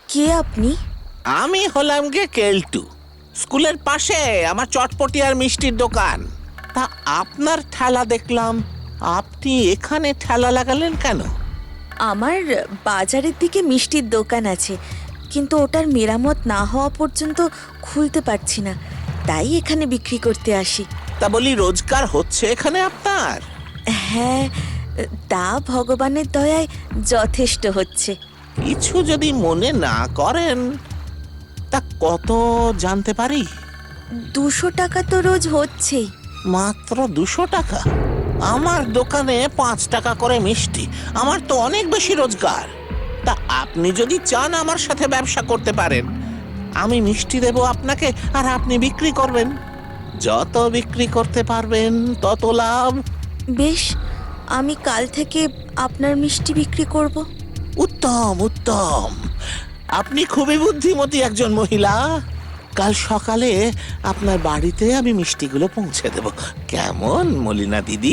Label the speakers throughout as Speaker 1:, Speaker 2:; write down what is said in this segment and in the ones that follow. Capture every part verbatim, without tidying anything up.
Speaker 1: কে আপনি?
Speaker 2: আমি হলাম গে কেলটু। স্কুলের পাশে আমার চটপটি আর মিষ্টির দোকান। তা আপনার ঠেলা দেখলাম, আপনি এখানে ঠেলা লাগালেন কেন?
Speaker 1: আমার বাজারের দিকে মিষ্টির দোকান আছে, কিন্তু ওটার মেরামত না হওয়া পর্যন্ত খুলতে পারছি না, তাই এখানে বিক্রি করতে আসি।
Speaker 2: তা বলি, রোজগার হচ্ছে এখানে আপনার?
Speaker 1: হ্যাঁ, তা ভগবানের দয়ায় যথেষ্ট হচ্ছে।
Speaker 2: কিছু যদি মনে না করেন, তা কত জানতে পারি?
Speaker 1: দুশো টাকা তো রোজ হচ্ছেই।
Speaker 2: মাত্র দুশো টাকা? আমার দোকানে পাঁচ টাকা করে মিষ্টি, আমার তো অনেক বেশি রোজগার। তা আপনি যদি চান আমার সাথে ব্যবসা করতে পারেন, আমি মিষ্টি দেব আপনাকে, আর আপনি বিক্রি করবেন। যত বিক্রি করতে পারবেন তত লাভ।
Speaker 1: বেশ, আমি কাল থেকে আপনার মিষ্টি বিক্রি করব।
Speaker 2: উত্তম উত্তম, আপনি খুবই বুদ্ধিমতী একজন মহিলা। কাল সকালে আপনার বাড়িতে আমি মিষ্টিগুলো পৌঁছে দেব। কেমন মলিনা দিদি?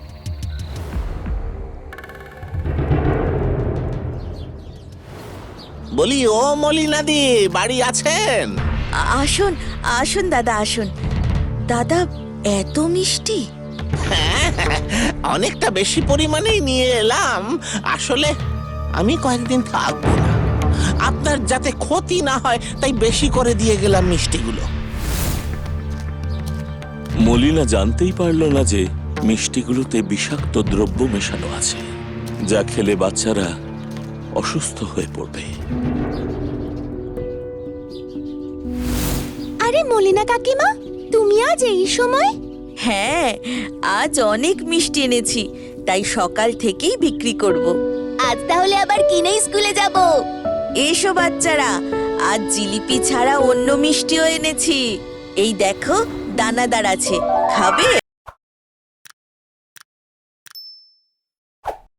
Speaker 2: বলি, ও মলিনা দি, বাড়ি আছেন?
Speaker 1: আ- আসুন আসুন দাদা, আসুন। দাদা, এত মিষ্টি?
Speaker 2: হ্যাঁ, অনেকটা বেশি পরিমাণেই নিয়ে এলাম। আসলে আমি কয়েকদিন থাকবো না, আপনার যাতে ক্ষতি না হয় তাই বেশি করে দিয়ে গেলাম মিষ্টিগুলো।
Speaker 3: মলিনা জানতেই পারল না যে মিষ্টিগুলোতে বিষাক্ত দ্রব্য মেশানো আছে, যা খেলে বাচ্চারা অসুস্থ হয়ে পড়বে।
Speaker 4: আরে মলিনা কাকিমা, তুমি আজ এই সময়?
Speaker 1: হ্যাঁ, আজ অনেক মিষ্টি এনেছি, তাই সকাল থেকেই বিক্রি করব।
Speaker 4: আজ তাহলে আবার কিনেই স্কুলে যাব।
Speaker 1: এসো বাচ্চারা, আজ জিলিপি ছাড়া অন্য মিষ্টিও এনেছি। এই দেখো, দানাদার আছে, খাবে?